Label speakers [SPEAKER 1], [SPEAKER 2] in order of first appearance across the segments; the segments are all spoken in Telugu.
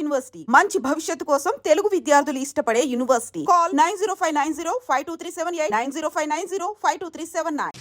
[SPEAKER 1] యూనివర్సిటీ మంచి భవిష్యత్తు కోసం తెలుగు విద్యార్థులు ఇష్టపడే యూనివర్సిటీ. కాల్ 9059052378 9059052379.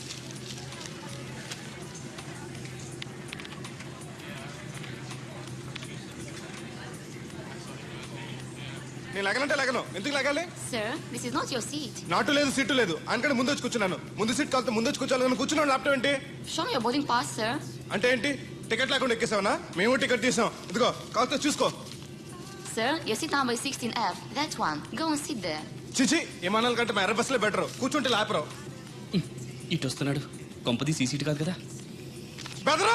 [SPEAKER 2] నేను లగనంటే లగను. ఎందుకు లగాలి?
[SPEAKER 3] Sir, this is not your seat.
[SPEAKER 2] నాటు లేదు, సీటు లేదు. అందుకని ముందు వచ్చి కూర్చున్నాను. ముందు సీట్ కాలితే ముందు వచ్చి కూర్చోాలని కూర్చున్నాను. ల్యాప్టాప్ ఏంటి?
[SPEAKER 3] Show me your boarding pass, sir.
[SPEAKER 2] అంటే ఏంటి? టికెట్ లేకుండా ఎక్కేసావనా? మేము టికెట్ తీసాం. ఇదిగో కాలితే చూసుకో.
[SPEAKER 3] Sir, your seat number is 16F. That one. Go and sit there.
[SPEAKER 2] చిచి విమానాల కంటే మా ఎర్ర బస్సులే బెటర్. కూర్చుంటే లాపరావు.
[SPEAKER 4] ఇటు వస్తున్నాడు. కొంపది సీసీటీ కాదు కదా.
[SPEAKER 2] బెదరు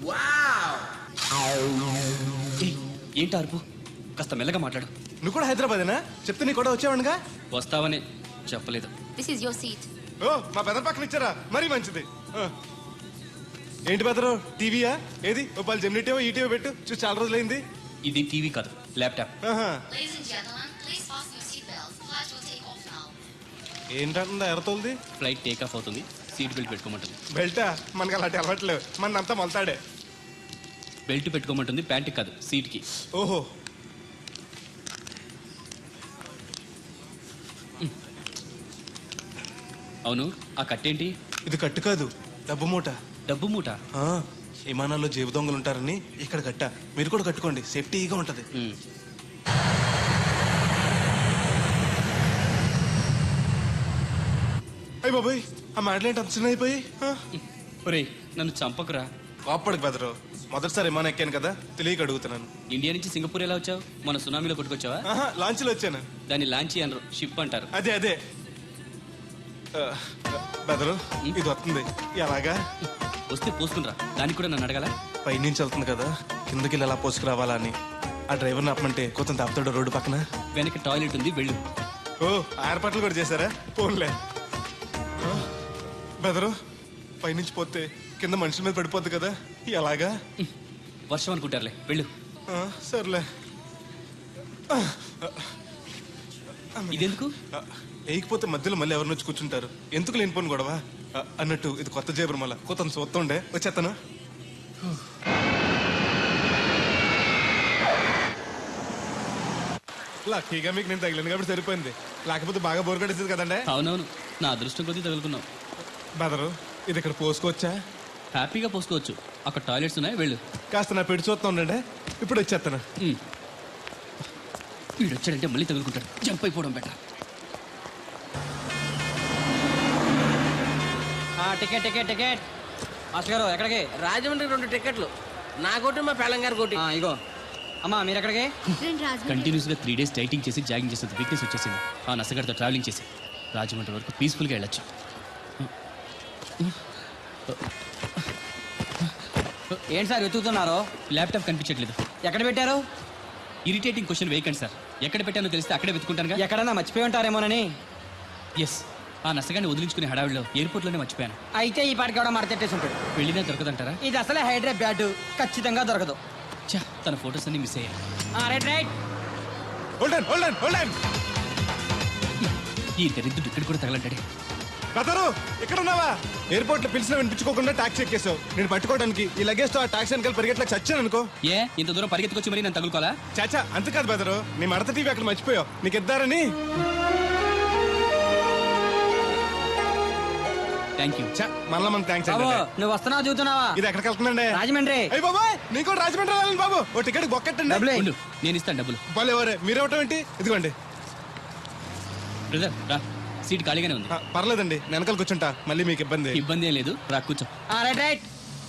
[SPEAKER 4] ఏంటి అరుపు? కాస్త మెల్లగా మాట్లాడు.
[SPEAKER 2] నువ్వు కూడా హైదరాబాదేనా? చెప్తే నీ కూడా వచ్చావనుగా.
[SPEAKER 4] వస్తావని చెప్పలేదు.
[SPEAKER 3] This is your seat.
[SPEAKER 2] ఓ మా బెదర్ పక్కన ఇచ్చారా? మరీ మంచిది. ఏంటి బెదరు, టీవీయా? ఏది ఓ పలు జెమినీ టీవో ఈ టీవో పెట్టు. చూసి చాలా రోజులైంది.
[SPEAKER 4] ఇది టీవీ కాదు, laptop.
[SPEAKER 3] Ladies and gentlemen, please fasten your seat belts. Flight will take off now.
[SPEAKER 2] ఏంటంటుందా ఎర్రతోల్ది?
[SPEAKER 4] ఫ్లైట్ టేక్ ఆఫ్ అవుతుంది. సీట్ బెల్ట్ పెట్టుకోమంటుంది.
[SPEAKER 2] బెల్టా? మనకి అలాంటి అలవాట్లేవు. మనంతా మొలతాడే.
[SPEAKER 4] బెల్ట్ పెట్టుకోమంటుంది, ప్యాంట్కి కాదు సీట్కి.
[SPEAKER 2] ఓహో.
[SPEAKER 4] అవును, ఆ కట్టేంటి?
[SPEAKER 2] ఇది కట్టు కాదు, డబ్బు మూట.
[SPEAKER 4] డబ్బు మూట?
[SPEAKER 2] విమానాల్లో జేబు దొంగలు ఉంటారని ఇక్కడ కట్ట. మీరు కూడా కట్టుకోండి, సేఫ్టీగా ఉంటది. అయ్యి బాబాయ్, ఆ మాటలేంటి అంత చిన్న అయిపోయి?
[SPEAKER 4] ఒరేయ్, నన్ను చంపకురా.
[SPEAKER 2] కాపాడుకు బెదరు. మొదటిసారి విమానం ఎక్కాను కదా, తెలియక అడుగుతున్నాను.
[SPEAKER 4] ఇండియా నుంచి సింగపూర్ ఎలా వచ్చావు? మన సునామీలో కొట్టుకొచ్చావా?
[SPEAKER 2] లాంచ్లో వచ్చాను.
[SPEAKER 4] దాన్ని లాంచీ అనరు, షిప్ అంటారు.
[SPEAKER 2] అదే అదే. బెదరు, ఇది వస్తుంది. ఎలాగా?
[SPEAKER 4] వస్తే పోసుకునిరా. దానికి కూడా నన్ను అడగాల?
[SPEAKER 2] పైనుంచి వెళ్తుంది కదా, కిందకి ఎలా పోసుకురావాలా అని. ఆ డ్రైవర్ని ఆపమంటే కొంత దాపుతాడు రోడ్డు పక్కన.
[SPEAKER 4] వెనక టాయిలెట్ ఉంది, వెళ్ళు.
[SPEAKER 2] ఓ, ఏర్పాట్లు కూడా చేశారా? పోన్లే. బెదరు, పైనుంచి పోతే కింద మనుషుల మీద పడిపోద్ది కదా, ఎలాగా?
[SPEAKER 4] వర్షం అనుకుంటారులే, వెళ్ళు.
[SPEAKER 2] సర్లే.
[SPEAKER 4] ఇదెందుకు?
[SPEAKER 2] వేయకపోతే మధ్యలో మళ్ళీ ఎవరిని వచ్చి కూర్చుంటారు. ఎందుకు లేనిపోను గొడవ అన్నట్టు. ఇది కొత్త జేబురు, మళ్ళా కొత్త చూస్తుండే వచ్చేస్తాను. లక్కీగా మీకు నేను తగిలింది కాబట్టి సరిపోయింది. లేకపోతే బాగా బోర్ కట్టేసింది కదండి.
[SPEAKER 4] అవునవును, నా అదృష్టం కొద్దీ తగులుకున్నావు.
[SPEAKER 2] బెదరు, ఇది ఇక్కడ పోసుకోవచ్చా?
[SPEAKER 4] హ్యాపీగా పోసుకోవచ్చు. అక్కడ టాయిలెట్స్ ఉన్నాయి, వెళ్ళు.
[SPEAKER 2] కాస్త నా పెట్టి చూస్తా ఉండండి, ఇప్పుడు వచ్చేస్తాను.
[SPEAKER 4] వీడు వచ్చాడంటే మళ్ళీ తగులుకుంటాడు. జంప్ అయిపోవడం better.
[SPEAKER 5] Ticket ticket ticket. Master గారు ఎక్కడికి?
[SPEAKER 6] రాజమండ్రి 2 టికెట్లు. నా కోటి, మా పెళ్ళంగారు కోటి.
[SPEAKER 5] ఇగో అమ్మా, మీరు ఎక్కడికి?
[SPEAKER 4] కంటిన్యూస్ గా 3 days డైటింగ్ చేసి జాగింగ్ చేసేది వీక్నెస్ వచ్చేసింది. ఆ నసగడతో ట్రావెలింగ్ చేసి రాజమండ్రి వరకు పీస్ఫుల్గా వెళ్ళొచ్చు.
[SPEAKER 5] ఏంటి సార్ వెతుకుతున్నారు?
[SPEAKER 4] ల్యాప్టాప్ కనిపించట్లేదు.
[SPEAKER 5] ఎక్కడ పెట్టారు?
[SPEAKER 4] ఇరిటేటింగ్ క్వశ్చన్ వేయకండి సార్. ఎక్కడ పెట్టానో తెలిస్తే అక్కడే వెతుకుంటానుగా.
[SPEAKER 5] ఎక్కడన్నా మర్చిపోయి ఉంటారేమోనని.
[SPEAKER 4] ఎస్, ఆ నసగాన్ని వదిలించుకునే హడావిడిలో ఎయిర్పోర్ట్లోనే మర్చిపోయాను.
[SPEAKER 5] అయితే ఈ పాటికి కూడా మడతెట్టేసి ఉంటాడు.
[SPEAKER 4] వెళ్ళినా దొరకదంటారా?
[SPEAKER 5] ఇది అసలే హైదరాబాద్, ఖచ్చితంగా దొరకదు.
[SPEAKER 4] చా, తన ఫొటోస్ అన్ని మిస్ అయ్యాయి.
[SPEAKER 5] Right right.
[SPEAKER 4] ఈ దరిద్రుడు ఇక్కడ కూడా తగలంటాడే.
[SPEAKER 2] బెదరు, ఇక్కడ ఉన్నావా? ఎయిర్పోర్ట్ లో పిలిచిన వినిపించుకోకుండా టాక్సీ ఎక్కేసావు. నేను పట్టుకోవడానికి ఈ లగేజ్ తో ఆ టాక్సీ వెనకాల పరిగెట్లకు చచ్చాను అనుకో.
[SPEAKER 4] ఏ, ఇంత దూరం పరిగెత్తుకొచ్చి మరి నేను తగులుకోవాలా?
[SPEAKER 2] చాచా, అంతకాదు బెదరు. నీ మడత టీవీ అక్కడ మర్చిపోయావు. నీకు ఇద్దారని.
[SPEAKER 4] Thank you.
[SPEAKER 2] మళ్ళా మనకు థ్యాంక్స్.
[SPEAKER 5] నువ్వు వస్తున్నావు చూస్తున్నావా?
[SPEAKER 2] ఇది ఎక్కడికి వెళ్తుందండి?
[SPEAKER 5] రాజమండ్రి.
[SPEAKER 2] అయ్యి బాబాయ్, నీకు కూడా రాజమండ్రి వెళ్ళాలి బాబు. ఓ టికెట్ బొక్కెట్టండి.
[SPEAKER 4] ఉండు, నేను ఇస్తాను డబ్బులు.
[SPEAKER 2] బాలే ఎవరే, మీరు ఇవ్వటం ఏంటి? ఇదిగోండి.
[SPEAKER 4] బ్రదర్ రా, సీట్ ఖాళీగానే ఉంది.
[SPEAKER 2] పర్లేదండి, వెనకాల కూర్చుంటా. మళ్ళీ మీకు ఇబ్బంది?
[SPEAKER 4] ఇబ్బంది ఏం లేదు, రా కూర్చో.
[SPEAKER 5] Right right.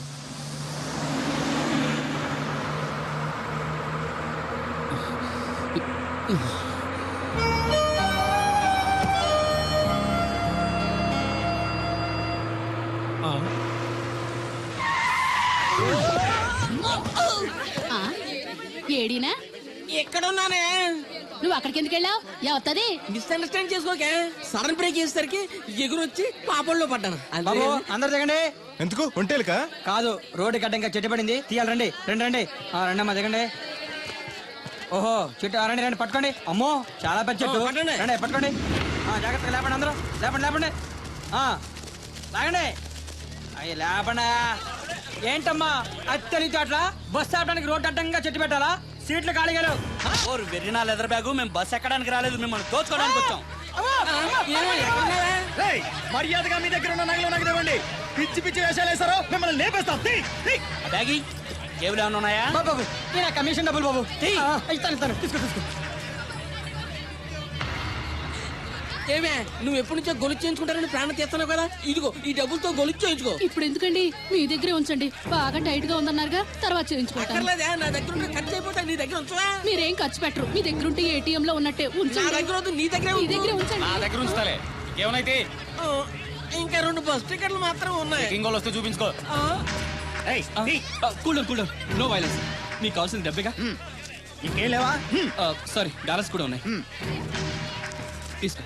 [SPEAKER 7] ఏడీనా?
[SPEAKER 6] ఎక్కడున్నానే?
[SPEAKER 7] నువ్వు అక్కడికి ఎందుకు వెళ్ళావు? ఎవత్తది?
[SPEAKER 6] మిస్అండర్స్టాండ్ చేసుకోకే. సడన్ బ్రేక్ చేసేసరికి ఎగురొచ్చి పాపంలో పడ్డాను.
[SPEAKER 5] బాబు అందరు దిగండి.
[SPEAKER 2] ఎందుకు? ఒంటేలుకా?
[SPEAKER 5] కాదు, రోడ్డు గడ్డంగా చెట్టు పడింది, తీయాలి. రండి రండి రండి. రండి అమ్మా, దిగండి. ఓహో, చెట్టు రండి రండి, పట్టుకోండి. అమ్మో, చాలా పెద్ద చెట్టు. రండి పట్టుకోండి. జాగ్రత్తగా లేపండి, అందరూ లేపండి లేపండి. లాగండి. అయ్యి లేపండి. ఏంటమ్మా అది తెలియదు అట్లా? బస్సు ఆపడానికి రోడ్డు అడ్డంగా చెట్టు పెట్టాలా? సీట్లు ఖాళీగా లేవు. ఓరు వెర్రినా లెదర్ బ్యాగు, మేము బస్ ఎక్కడానికి రాలేదు, మిమ్మల్ని దోచుకోవడానికి వచ్చాం.
[SPEAKER 8] మర్యాదగా మీ దగ్గర ఉన్న నగలు నాకు ఇవ్వండి. పిచ్చి పిచ్చి వేషాలు వేసారో మిమ్మల్ని లేపేస్తాం.
[SPEAKER 5] బ్యాగి కేబుల్ ఏమైనా ఉన్నాయా?
[SPEAKER 8] బాబు కమిషన్ డబ్బులు బాబు. ఇస్తాను తీసుకో.
[SPEAKER 6] ఏమే నువ్వు ఎప్పటి నుంచో గొలుసు చేయించుకుంటారని ప్రాణం తీస్తున్నావు కదా, ఇదిగో ఈ డబ్బులతో గొలుసు చేయించుకో.
[SPEAKER 7] ఇప్పుడు ఎందుకండి మీ దగ్గరే ఉంచండి. బాగా టైట్ గా ఉందన్నారుగా, తర్వాత చేయించుకుంటాను.
[SPEAKER 6] అక్కర్లేదే, నా దగ్గర ఉంటే ఖర్చు అయిపోతా, నీ దగ్గర ఉంచవా?
[SPEAKER 7] మీరేం ఖర్చు పెట్టరు. మీ దగ్గర ఉంటే ఏటీఎం లో ఉన్నట్టే
[SPEAKER 6] నా
[SPEAKER 7] ఉంచండి.
[SPEAKER 6] దగ్గర వద్దు, నీ దగ్గరే
[SPEAKER 7] మీ
[SPEAKER 6] ఉంచు.
[SPEAKER 7] దగ్గరే ఉంచండి.
[SPEAKER 8] నా దగ్గర ఉంచుతాలే. ఏమైతే
[SPEAKER 6] ఆ, ఇంకా 2 బస్ టికెట్లు మాత్రం ఉన్నాయి.
[SPEAKER 8] ఇంకోళ్ళు వస్తే చూపించుకో.
[SPEAKER 4] Cool no violence. మీకు కావాల్సిన డబ్బేగా.
[SPEAKER 8] ఇంకేం లేవా?
[SPEAKER 4] సారీ, డాలర్స్ కూడా ఉన్నాయి. తీసుకో.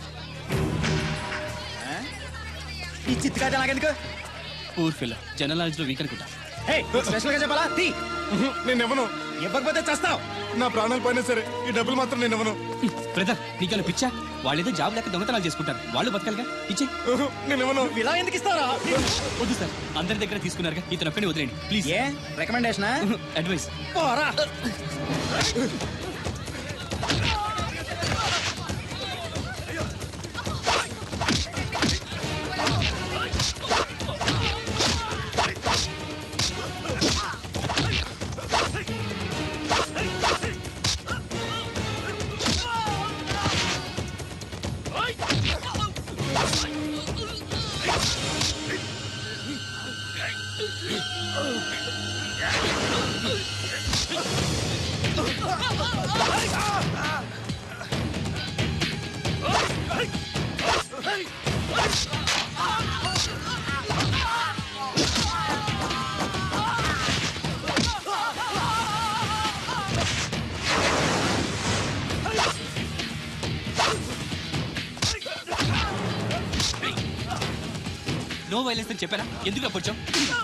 [SPEAKER 8] ఈ చిత్తుకాయ నాకెందుకు?
[SPEAKER 4] పూర్ ఫిల్ జనరల్ నాలెడ్జ్ లో వీక్ అనుకుంటా.
[SPEAKER 8] స్పెషల్ గా చెప్పాలా?
[SPEAKER 2] నేను ఇవ్వను.
[SPEAKER 8] ఇవ్వకపోతే చేస్తావు.
[SPEAKER 2] నా ప్రాణాలు పోయినా సరే ఈ డబ్బులు మాత్రం నేను ఇవ్వను.
[SPEAKER 4] బ్రదర్, నీకేమైనా పిచ్చా? వాళ్ళేదో జాబ్ లేక దొంగతనాలు చేసుకుంటారు, వాళ్ళు బతకాలిగా. ఇచ్చే.
[SPEAKER 2] నేను ఇవ్వను.
[SPEAKER 8] ఇలా ఎందుకు ఇస్తారా?
[SPEAKER 4] వద్దు సార్, అందరి దగ్గర తీసుకున్నారుగా, ఇతను ఒక్కడే వదిలేండి ప్లీజ్.
[SPEAKER 8] ఏ రికమెండేషన్?
[SPEAKER 4] అడ్వైస్.
[SPEAKER 8] పోరా.
[SPEAKER 4] నో వైలెన్స్ అని చెప్పారా? ఎందుకు అప్పొచ్చావు?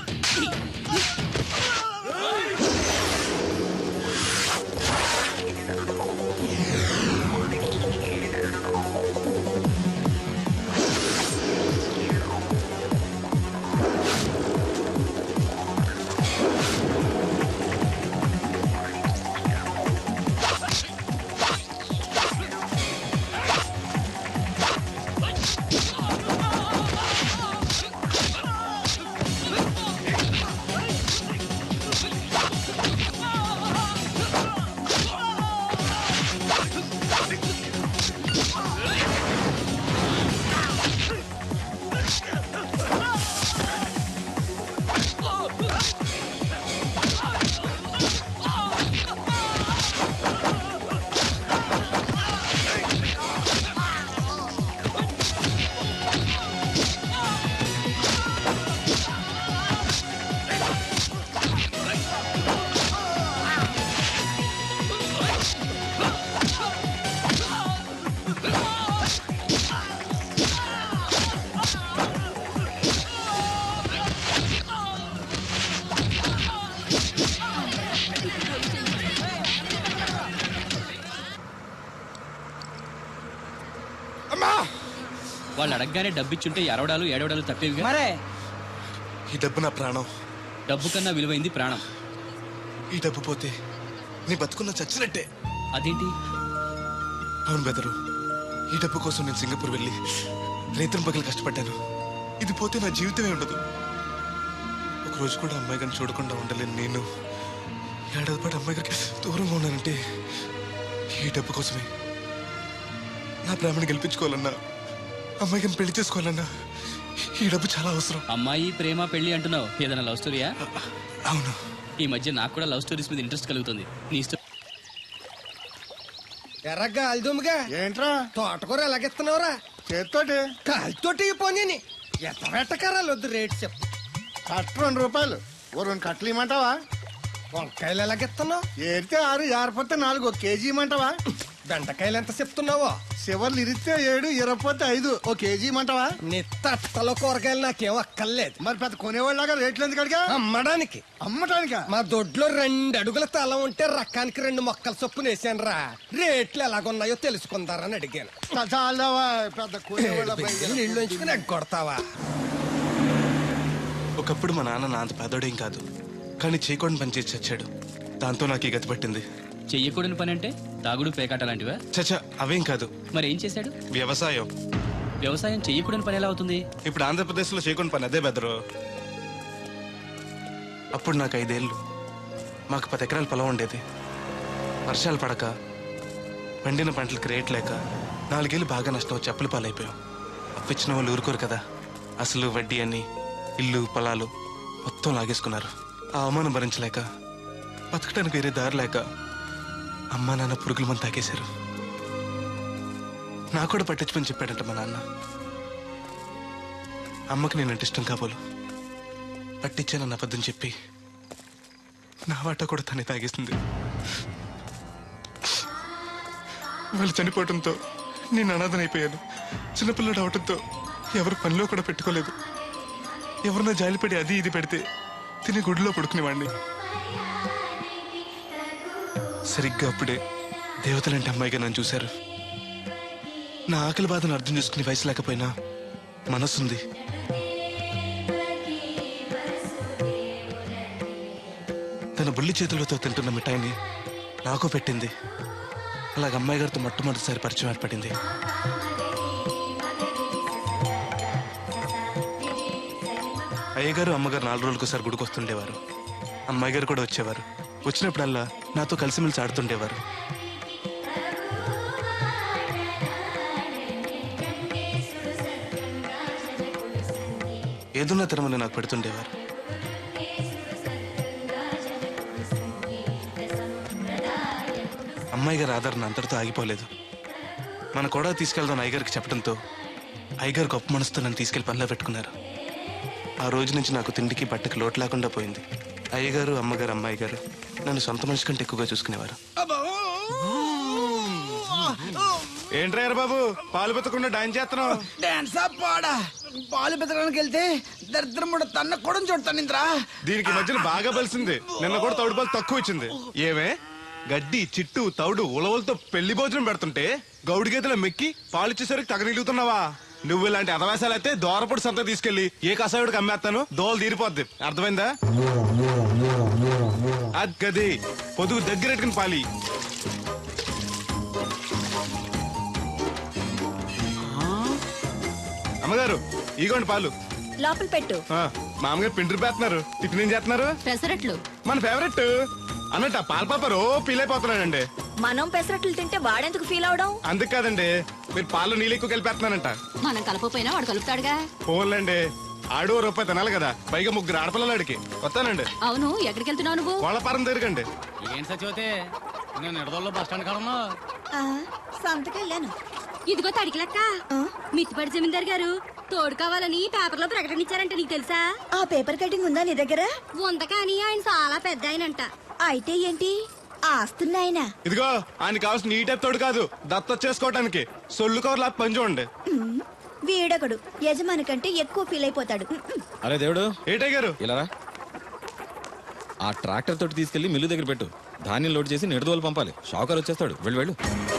[SPEAKER 4] వాళ్ళు అడగగానే డబ్బిచ్చుంటే ఎరవడాలు ఏడవడాలు తప్పేవిగా.
[SPEAKER 5] మరే
[SPEAKER 2] ఈ డబ్బు నా ప్రాణం.
[SPEAKER 4] డబ్బు కన్నా విలువైంది ప్రాణం.
[SPEAKER 2] ఈ డబ్బు పోతే నీ బతుకున్న చచ్చినట్టే.
[SPEAKER 4] అదేంటి?
[SPEAKER 2] అవును బెదరు, ఈ డబ్బు కోసం నేను సింగపూర్ వెళ్ళి రైతుల పగలు కష్టపడ్డాను. ఇది పోతే నా జీవితమే ఉండదు. ఒకరోజు కూడా అమ్మాయి గారిని చూడకుండా ఉండలేను నేను. ఏడాది పాటు అమ్మాయి గారికి దూరంగా ఉన్నానంటే ఈ డబ్బు కోసమే. నా ప్రేమను గెలిపించుకోవాలన్నా, అమ్మాయి గారిని పెళ్లి చేసుకోవాలన్నా ఈ డబ్బు చాలా అవసరం.
[SPEAKER 4] అమ్మాయి ప్రేమ పెళ్లి అంటున్నావు, ఏదైనా లవ్ స్టోరీయా?
[SPEAKER 2] అవును.
[SPEAKER 4] ఈ మధ్య నాకు కూడా లవ్ స్టోరీస్ మీద ఇంట్రెస్ట్ కలుగుతుంది. నీ ఇష్టం.
[SPEAKER 9] ఎర్రగా అల్దుమ్గా
[SPEAKER 8] ఏంట్రా
[SPEAKER 9] తోటకూర ఎలాగెత్తున్నావురా?
[SPEAKER 8] చేత్తోటి
[SPEAKER 9] కాలితోటి పోనీ ఎత్తబెట్టకరాలు వద్దు రేటు చెప్పు.
[SPEAKER 8] కట్ట 2 రూపాయలు. ఓ 2 కట్టలు ఇమ్మంటావా?
[SPEAKER 9] వంకాయలు ఎలాగెత్తున్నావు?
[SPEAKER 8] ఏరితే 6, జారిపోతే 4. 1 కేజీ ఇమ్మంటావా?
[SPEAKER 9] బెండకాయలు ఎంత చెప్తున్నావో?
[SPEAKER 8] చివర్లు ఇరిస్తే 7, ఇరపోతే 5. 1 కేజీ ఇమ్మంటావా?
[SPEAKER 9] నీ తట్టలో కూరగాయలు నాకేం అక్కర్లేదు.
[SPEAKER 8] మరి పెద్ద కొనేవాళ్ళగా రేట్లు ఎందుకు అడిగా?
[SPEAKER 9] అమ్మడానికి.
[SPEAKER 8] అమ్మటానికా?
[SPEAKER 9] మా దొడ్లో 2 అడుగుల తల ఉంటే రకానికి 2 మొక్కల చొప్పున వేసాను రా. రేట్లు ఎలాగున్నాయో తెలుసుకుందారని అడిగాను.
[SPEAKER 8] చాలావా పెద్ద కొనేవాళ్ళ
[SPEAKER 9] నీళ్ళు ఉంచుకుని ఎగ్గొడతావా?
[SPEAKER 2] ఒకప్పుడు మా నాన్న నా అంత పేదోడేం కాదు, కానీ చేయకుండా పనిచేసి చచ్చాడు. దాంతో నాకు ఈ గతి పట్టింది.
[SPEAKER 4] చెయ్యకూడని పని అంటే తాగుడు పేకాట లాంటివా?
[SPEAKER 2] చచ్చా అవేం కాదు.
[SPEAKER 4] మరి ఏం చేశాడు?
[SPEAKER 2] వ్యవసాయం.
[SPEAKER 4] వ్యవసాయం చెయ్యకూడని పని ఎలా అవుతుంది?
[SPEAKER 2] ఇప్పుడు ఆంధ్రప్రదేశ్లో చేయకుండా పని అదే బెదరు. అప్పుడు నాకు 5 ఏళ్ళు. మాకు 10 ఎకరాల పొలం ఉండేది. వర్షాలు పడక పండిన పంటలకు రేట్ లేక 4 ఏళ్ళు బాగా నష్టం వచ్చి అప్పుల పాలైపోయాం. అప్పిచ్చిన వాళ్ళు ఊరుకోరు కదా. అసలు వడ్డీ అని ఇల్లు పొలాలు మొత్తం లాగేసుకున్నారు. ఆ అవమానం భరించలేక బతకడానికి వేరే దారి లేక అమ్మా నాన్న పురుగుల మంది తాగేశారు. నాకు కూడా పట్టించుకొని చెప్పాడంట మా నాన్న. అమ్మకి నేనంటే ఇష్టం కాబోలు పట్టించానన్న అబద్ధం చెప్పి నా వాటా కూడా తనే తాగేసింది. వాళ్ళు చనిపోవడంతో నేను అనాథనైపోయాను. చిన్నపిల్లడు అవడంతో ఎవరు పనిలో కూడా పెట్టుకోలేదు. ఎవరన్నా జాలిపడి అది ఇది పెడితే తిని గుడిలో పడుకునేవాడిని. సరిగ్గా అప్పుడే దేవతలంటే అమ్మాయిగా నన్ను చూశారు. నా ఆకలి బాధను అర్థం చేసుకునే వయసు లేకపోయినా మనసుంది. తన బుల్లి చేతులతో తింటున్న మిఠాయిని నాకు పెట్టింది. అలాగ అమ్మాయి గారితో మొట్టమొదటిసారి పరిచయం ఏర్పడింది. అయ్యగారు అమ్మగారు 4 రోజులకోసారి గుడికి వస్తుండేవారు. అమ్మాయి గారు కూడా వచ్చేవారు. వచ్చినప్పుడల్లా నాతో కలిసిమెలిసి ఆడుతుండేవారు. ఏదున్నా తినమని నాకు పెడుతుండేవారు. అమ్మాయి గారి ఆదరణ అంతటితో ఆగిపోలేదు. మన కూడా తీసుకెళ్దాం అయ్యగారికి చెప్పడంతో అయ్యగారు గొప్ప మనసుతో నన్ను తీసుకెళ్లి పనిలో పెట్టుకున్నారు. ఆ రోజు నుంచి నాకు తిండికి బట్టకి లోటు లేకుండా పోయింది. అయ్యగారు అమ్మగారు అమ్మాయి గారు నన్ను సొంత మనిషి కంటే ఎక్కువగా చూసుకునేవారు. ఏంట్రయ్యారు బాబు పాలు పెత్తకుండా డాన్స్ చేస్తున్నావు?
[SPEAKER 5] డాన్స్ పాడా పాలు పెతకడానికి వెళ్తే దరిద్రం కూడా తన్న కూడా చూడతాను ఇంద్రా.
[SPEAKER 2] దీనికి మధ్యన బాగా బలిసింది. నిన్న కూడా తౌడు పాలు తక్కువ ఇచ్చింది. ఏమే గడ్డి చిట్టు తౌడు ఉలవలతో పెళ్లి భోజనం పెడుతుంటే గౌడి గేదెల మెక్కి పాలిచ్చేసరికి తగనిలుగుతున్నావా? నువ్వు ఇలాంటి అదవేశాలు అయితే దోరపొడి సంత తీసుకెళ్లి ఏ కసాయుడికి అమ్మేస్తాను, దోలు తీరిపోద్ది. అర్థమైందా? అది గది పొదుగు దగ్గరెట్టుకుని పాలి. అమ్మగారు ఇగోండి పాలు.
[SPEAKER 10] లోపల పెట్టు.
[SPEAKER 2] మామగారు పిండి పేస్తున్నారు. టిఫిన్ ఏం చేస్తున్నారు?
[SPEAKER 7] పెసరట్లు.
[SPEAKER 2] మన ఫేవరెట్ అన్నట్టు ఆ పాల పాప రో పీలైపోతున్నాడండి.
[SPEAKER 10] మనం పెసరట్లు తింటే వాడెందుకు ఫీల్ అవడం?
[SPEAKER 2] అందుకు కాదండి, మీరు పాలు నీళ్ళు ఎక్కువ కలిపేస్తున్నానంట.
[SPEAKER 7] మనం కలపపోయినా వాడు కలుపుతాడుగా.
[SPEAKER 2] ఫోన్లండి ఆడు రూపాయి తినాలి కదా, పైగా 3 ఆడపిల్లలు అడిగి వస్తానండి.
[SPEAKER 7] అవును, ఎక్కడికి వెళ్తున్నావు నువ్వు?
[SPEAKER 2] కోళ్ళపారం తిరగండి.
[SPEAKER 4] ఏంటి సచివతే నేను నిడదల్లో బస్ స్టాండ్ కాడన్నా
[SPEAKER 10] సంతకెళ్ళాను.
[SPEAKER 7] ఇదిగో తడికి లెక్క. మిత్తిపడి జమీందార్ గారు తోడు కావాలని పేపర్లో ప్రకటన ఇచ్చారంట. నీకు తెలుసా?
[SPEAKER 10] ఆ పేపర్ కటింగ్ ఉందా నీ దగ్గర?
[SPEAKER 7] ఉంద కానీ ఆయన చాలా పెద్ద ఆయనంట.
[SPEAKER 10] అయితే ఏంటి ఆస్తున్నాయన?
[SPEAKER 2] ఇదిగో ఆయన కావాల్సిన ఈ టైప్ తోడు కాదు, దత్త చేసుకోవటానికి సొల్లు కవర్లా పని చూడండి.
[SPEAKER 10] వీడొకడు యజమాని కంటే ఎక్కువ ఫీల్ అయిపోతాడు.
[SPEAKER 8] అరే దేవుడు
[SPEAKER 2] ఏటై గారు
[SPEAKER 8] ఇలా రా. ఆ ట్రాక్టర్ తోటి తీసుకెళ్లి మిల్లు దగ్గర పెట్టు. ధాన్యం లోడ్ చేసి నిడదోలు పంపాలి. షాకర్ వచ్చేస్తాడు. వెళ్ళు వెళ్ళు.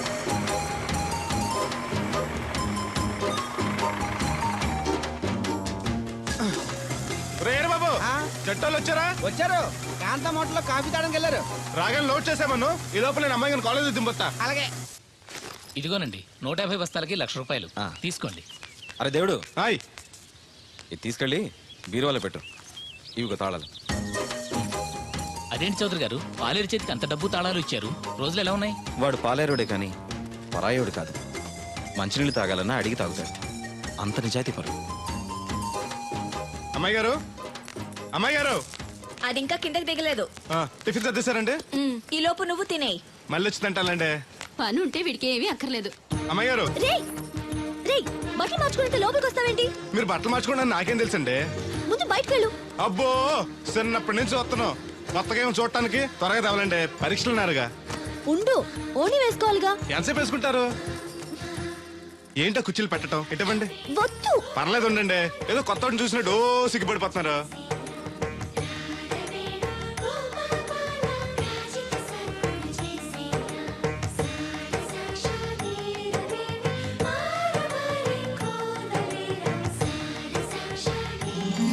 [SPEAKER 2] రేరు బాబు చట్టాలు వచ్చారా?
[SPEAKER 5] వచ్చారు. కాంతం హోటల్లో కాఫీ తాడానికి వెళ్ళారు.
[SPEAKER 2] రాగానే లోడ్ చేసామను. ఈ లోపల నేను అమ్మాయి కాలేజ్ దింపొస్తా.
[SPEAKER 5] అలాగే.
[SPEAKER 4] ఇదిగోనండి 150 బస్తాలకి ₹1,00,000 తీసుకోండి.
[SPEAKER 8] అరే దేవుడు
[SPEAKER 2] హాయ్.
[SPEAKER 8] ఇది తీసుకెళ్ళి బీరువాలో పెట్టు. ఇవిగో తాళాలు.
[SPEAKER 4] అదేంటి చౌదరి గారు, పాలేరు చేతికి అంత డబ్బు తాళాలు ఇచ్చారు. రోజులు ఎలా ఉన్నాయి?
[SPEAKER 8] వాడు పాలేరుడే కానీ పరాయోడు కాదు. మంచినీళ్ళు తాగాలన్నా అడిగి తాగుతాడు. అంత నిజాయితీ పరు.
[SPEAKER 2] అమ్మాయి గారు అమ్మాయి గారు
[SPEAKER 10] అది ఇంకా కిందకి దిగలేదు.
[SPEAKER 2] టిఫిన్ సర్దేశారండి?
[SPEAKER 10] ఈ లోపు నువ్వు తినేయి.
[SPEAKER 2] మళ్ళీ వచ్చి తింటానండి.
[SPEAKER 7] పని ఉంటే వీడికి ఏమీ అక్కర్లేదు.
[SPEAKER 2] అమ్మాయి గారు
[SPEAKER 10] రేయ్ రేయ్, బట్టలు మార్చుకుంటే లోపలికి వస్తావేంటి?
[SPEAKER 2] మీరు బట్టలు మార్చుకోండి నాకేం తెలుసండి.
[SPEAKER 10] ముందు బయటకు వెళ్ళు.
[SPEAKER 2] అబ్బో చిన్నప్పటి నుంచి వస్తున్నాం. కొత్తగా ఏమో చూడటానికి త్వరగా తేవాలండి. పరీక్షలు ఉన్నారుగా.
[SPEAKER 10] ఉండు, ఓణి వేసుకోవాలిగా.
[SPEAKER 2] ఎంతసేపు వేసుకుంటారు? ఏంటో కుర్చీలు పెట్టడం ఇటువంటి
[SPEAKER 10] వద్దు.
[SPEAKER 2] పర్లేదు ఉండండి. ఏదో కొత్త చూసినట్టు సిగ్గుపడిపోతున్నారు.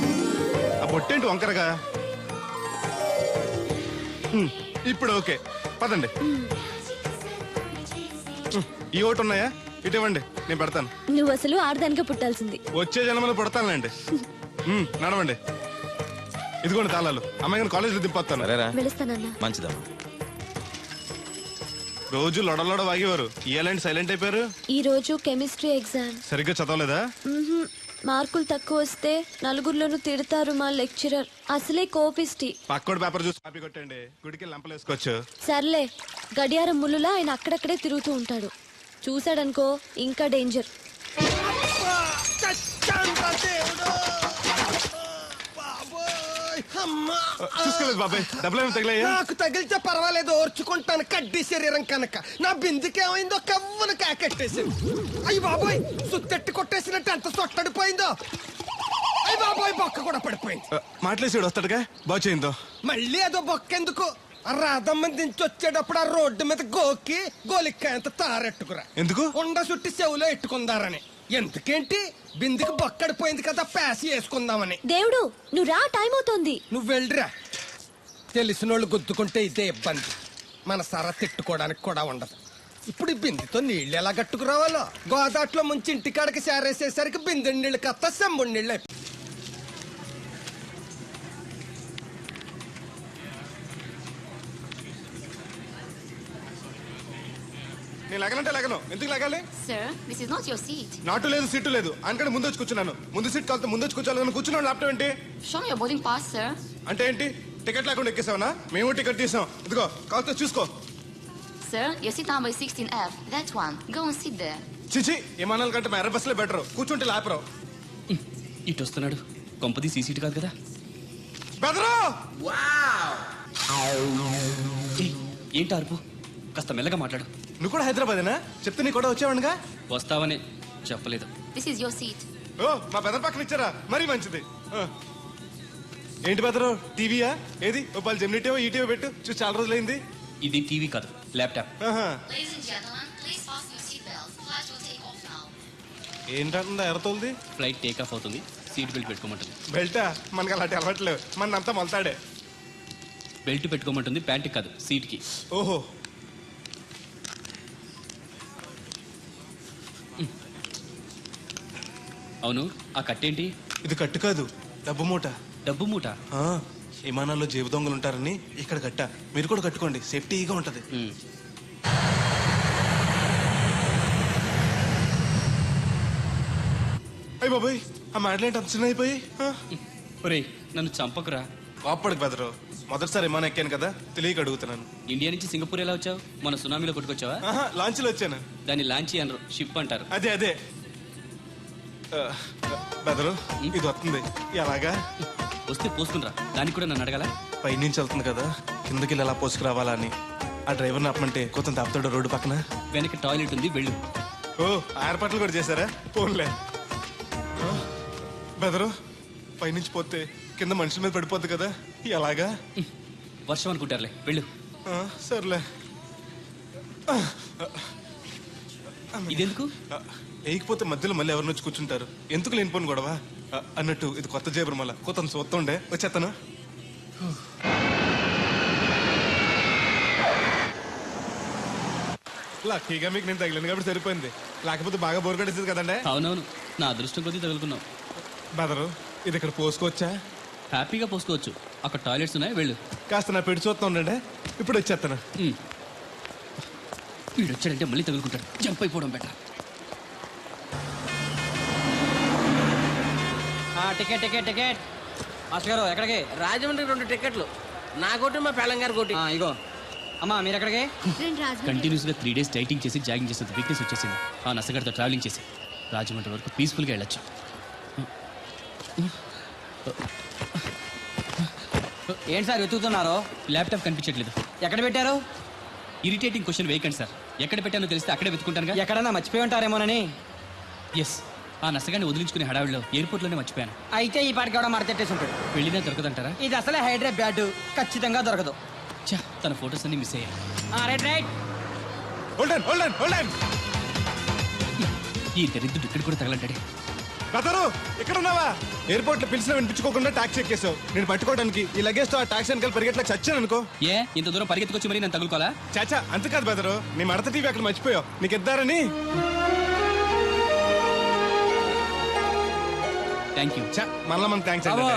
[SPEAKER 2] ఆ బొట్టేంటి వంకరగా? ఇప్పుడు ఓకే. పదండి. ఈ ఓటు ఉన్నాయా? ఇటు ఇవ్వండి, నేను పెడతాను.
[SPEAKER 7] నువ్వు అసలు ఆడదానిగా పుట్టాల్సింది.
[SPEAKER 2] వచ్చే జన్మలో పుడతానులేండి. నడవండి. ఇదిగోండి తాళాలు. అమ్మాయి గారిని కాలేజీలో దింపొస్తాను.
[SPEAKER 8] సరేరా,
[SPEAKER 7] వెళుస్తానన్నా.
[SPEAKER 8] మంచిదమ్మా.
[SPEAKER 2] రోజు లొడలోడ వాగేవారు, ఇయ్యాలంటే సైలెంట్ అయిపోయారు.
[SPEAKER 7] ఈ రోజు కెమిస్ట్రీ ఎగ్జామ్.
[SPEAKER 2] సరిగ్గా చదవలేదా?
[SPEAKER 7] మార్కులు తక్కువ వస్తే నలుగురిలోనూ తిడతారు మా లెక్చరర్. అసలే కోపిస్టి.
[SPEAKER 2] పక్కోడి పేపర్ చూసి కాపీ కొట్టండి, గుడికి లంపలేసుకోవచ్చు.
[SPEAKER 7] సర్లే, గడియారం ముళ్ళులా ఆయన అక్కడక్కడే తిరుగుతూ ఉంటాడు. చూశాడనుకో ఇంకా డేంజర్.
[SPEAKER 2] చూసుకోలేదు బాబాయ్, డబ్బులు ఏమి తగిలాయా?
[SPEAKER 9] నాకు తగిలితే పర్వాలేదు, ఓర్చుకుంటాను. కడ్డీ శరీరం కనుక నా బిందుకేమైందో కవ్వను కాకెట్టేసింది. అయ్యి బాబోయ్, సుత్తెట్టి కొట్టేసినట్టు ఎంత సొట్టడిపోయిందో. అయ్యి బాబోయ్, బొక్క కూడా పడిపోయింది.
[SPEAKER 2] మాట్లాడేసాడు వస్తాడుగా, బాగు చేయిందో.
[SPEAKER 9] మళ్ళీ అదో బొక్కెందుకు? ఆ రాధమ్మ దించి వచ్చేటప్పుడు ఆ రోడ్డు మీద గోకి గోలిక్కాయంత తారెట్టుకురా.
[SPEAKER 2] ఎందుకు?
[SPEAKER 9] ఉండ చుట్టి చెవులో ఎట్టుకుందారని. ఎందుకేంటి? బిందుకి బొక్కడిపోయింది కదా, ప్యాసి వేసుకుందామని.
[SPEAKER 7] దేవుడు, నువ్వు రా, టైం అవుతోంది.
[SPEAKER 9] నువ్వు వెళ్ళిరా. తెలిసినోళ్ళు గుద్దుకుంటే ఇదే ఇబ్బంది. మన సర తిట్టుకోవడానికి కూడా ఉండదు. ఇప్పుడు ఈ బిందెతో నీళ్ళు ఎలా కట్టుకురావాలో. గోదాట్లో ముంచి ఇంటికాడకి సేరేసేసరికి బిందె నీళ్ళు కత్త సెంబుడి నీళ్ళు అయిపోయి.
[SPEAKER 2] నేను లగనంటే లగను. ఎందుకు లగాలి?
[SPEAKER 3] Sir, this is not your seat.
[SPEAKER 2] నాటు లేదు, సీటు లేదు. అందుకని ముందు వచ్చి కూర్చున్నాను. ముందు సీట్ కాలితే ముందు వచ్చి కూర్చోాలని కూర్చున్నాను. ల్యాప్టాప్ ఏంటి?
[SPEAKER 3] Show me your boarding pass, sir.
[SPEAKER 2] అంటే ఏంటి? టికెట్ లేకుండా ఎక్కేసావనా? మేము టికెట్ తీసాం. ఇదిగో కాలితే చూసుకో.
[SPEAKER 3] Sir, your seat number is 16F. That one. Go and sit there.
[SPEAKER 2] చిచి, విమానాల కంటే మా ఎర్ర బస్సులే బెటర్. కూర్చుంటే లాపరావు.
[SPEAKER 4] ఇటు వస్తున్నాడు. కొంపది సీసీటీ కాదు కదా.
[SPEAKER 2] బెదరు!
[SPEAKER 4] ఏయ్, ఏంటి అరుపు? కాస్త మెల్లగా మాట్లాడు.
[SPEAKER 2] నువ్వు కూడా హైదరాబాదేనా? చెప్తే నీ కూడా వచ్చావనుగా.
[SPEAKER 4] వస్తావనే చెప్పలేదు.
[SPEAKER 3] This is your seat.
[SPEAKER 2] ఓ, మా బెదర్ పక్కన ఇచ్చారా? మరీ మంచిది. ఏంటి బెదరు, టీవీయా? ఏది ఓ పాలు జెమినీ టీవో ఈ టీవో పెట్టు, చూసి చాలా రోజులైంది.
[SPEAKER 4] ఇది టీవీ కాదు, laptop.
[SPEAKER 3] Ladies and gentlemen, please fasten your seatbelts. Flight will take off now.
[SPEAKER 2] ఏంటంటుందా ఎర్రతోల్ది?
[SPEAKER 4] ఫ్లైట్ టేక్ ఆఫ్ అవుతుంది, సీట్ బెల్ట్ పెట్టుకోమంటుంది.
[SPEAKER 2] బెల్టా? మనకి అలాంటి అలవాట్లేవు. మనంతా మొలతాడే.
[SPEAKER 4] బెల్ట్ పెట్టుకోమంటుంది, ప్యాంట్కి కాదు, సీట్కి.
[SPEAKER 2] ఓహో.
[SPEAKER 4] అవును, ఆ కట్టేంటి?
[SPEAKER 2] ఇది కట్టు కాదు, డబ్బు మూట.
[SPEAKER 4] డబ్బు మూట?
[SPEAKER 2] విమానాల్లో జేబు దొంగలు ఉంటారని ఇక్కడ కట్ట. మీరు కూడా కట్టుకోండి, సేఫ్టీగా ఉంటది. అయ్యి బాబాయ్, ఆ మాటలేంటి అంత చిన్న అయిపోయి?
[SPEAKER 4] ఒరేయ్, నన్ను చంపకురా.
[SPEAKER 2] కాపాడుకు బెదరు. మొదటిసారి విమానం ఎక్కాను కదా, తెలియక అడుగుతున్నాను.
[SPEAKER 4] ఇండియా నుంచి సింగపూర్ ఎలా వచ్చావు? మన సునామీలో కొట్టుకొచ్చావా?
[SPEAKER 2] లాంచ్లో వచ్చాను.
[SPEAKER 4] దాన్ని లాంచీ అనరు, షిప్ అంటారు.
[SPEAKER 2] అదే అదే. బెదరు, ఇది వస్తుంది. ఎలాగా?
[SPEAKER 4] వస్తే పోసుకునిరా. దానికి కూడా నన్ను అడగాల?
[SPEAKER 2] పైనుంచి వెళ్తుంది కదా, కిందకి ఎలా పోసుకురావాలా అని. ఆ డ్రైవర్ని ఆపమంటే కొంత దాపుతాడు రోడ్డు పక్కన.
[SPEAKER 4] వెనక టాయిలెట్ ఉంది, వెళ్ళు.
[SPEAKER 2] ఓ, ఏర్పాట్లు కూడా చేశారా? పోన్లే. బెదరు, పైనుంచి పోతే కింద మనుషుల మీద పడిపోద్ది కదా, ఎలాగా?
[SPEAKER 4] వర్షం అనుకుంటారులే, వెళ్ళు.
[SPEAKER 2] సర్లే.
[SPEAKER 4] ఇదెందుకు?
[SPEAKER 2] వేయకపోతే మధ్యలో మళ్ళీ ఎవరిని వచ్చి కూర్చుంటారు. ఎందుకు లేనిపోను గొడవ అన్నట్టు. ఇది కొత్త జేబురు, మళ్ళా కొత్త చూస్తుండే వచ్చేస్తాను. లక్కీగా మీకు నేను తగిలింది కాబట్టి సరిపోయింది. లేకపోతే బాగా బోర్ కట్టేసింది కదండి.
[SPEAKER 4] అవునవును, నా అదృష్టం కొద్దీ తగులుకున్నావు.
[SPEAKER 2] బెదరు, ఇది ఇక్కడ పోసుకోవచ్చా?
[SPEAKER 4] హ్యాపీగా పోసుకోవచ్చు, అక్కడ టాయిలెట్స్ ఉన్నాయి, వెళ్ళు.
[SPEAKER 2] కాస్త నా పెట్టి చూస్తా ఉండండి, ఇప్పుడు వచ్చేస్తాను.
[SPEAKER 4] వీడు వచ్చాడంటే మళ్ళీ తగులుకుంటాడు, జంప్ అయిపోవడం better.
[SPEAKER 5] Ticket ticket ticket. Master గారు ఎక్కడికి?
[SPEAKER 6] రాజమండ్రి 2 టికెట్లు. నా కోటి, మా పెళ్ళంగారి కోటి.
[SPEAKER 5] ఇగో. అమ్మా మీరు ఎక్కడికి?
[SPEAKER 4] కంటిన్యూస్ గా 3 days డైటింగ్ చేసి జాగింగ్ చేసేది వీక్నెస్ వచ్చేసింది. ఆ నసగడతో ట్రావెలింగ్ చేసి రాజమండ్రి వరకు పీస్ఫుల్గా వెళ్ళొచ్చు.
[SPEAKER 5] ఏంటి సార్ వెతుకుతున్నారు?
[SPEAKER 4] ల్యాప్టాప్ కనిపించట్లేదు.
[SPEAKER 5] ఎక్కడ పెట్టారు?
[SPEAKER 4] ఇరిటేటింగ్ క్వశ్చన్ వేయకండి సార్. ఎక్కడ పెట్టానో తెలిస్తే అక్కడే వెతుకుంటానుగా.
[SPEAKER 5] ఎక్కడన్నా మర్చిపోయి ఉంటారేమోనని.
[SPEAKER 4] ఎస్, ఆ నసగాన్ని వదిలించుకునే హడావిడిలో ఎయిర్పోర్ట్లోనే మర్చిపోయాను.
[SPEAKER 5] అయితే ఈ పాటికి కూడా మడతెట్టేసి ఉంటాడు.
[SPEAKER 4] వెళ్ళినా దొరకదంటారా?
[SPEAKER 5] ఇది అసలే హైదరాబాద్, ఖచ్చితంగా దొరకదు.
[SPEAKER 4] చా, తన ఫొటోస్ అన్ని మిస్ అయ్యాయి.
[SPEAKER 5] Right right.
[SPEAKER 2] Hold on, hold on, hold on.
[SPEAKER 4] ఈ దరిద్రుడు ఇక్కడ కూడా తగలంటాడే.
[SPEAKER 2] బెదరు ఇక్కడ ఉన్నావా? ఎయిర్పోర్ట్ లో పిలిచిన వినిపించుకోకుండా టాక్సీ ఎక్కేసావు. నేను పట్టుకోవడానికి ఈ లగేజ్ తో ఆ టాక్సీ వెనకాల పరిగెట్లకు చచ్చాను అనుకో.
[SPEAKER 4] ఏ ఇంత దూరం పరిగెత్తుకొచ్చి మరి నేను తగులుకోవాలా?
[SPEAKER 2] చాచా అంతకాదు బెదరు, నీ మడత టీవీ అక్కడ మర్చిపోయావు. నీకు ఇద్దారని.
[SPEAKER 4] Thank you.
[SPEAKER 2] మళ్ళా మన థ్యాంక్స్.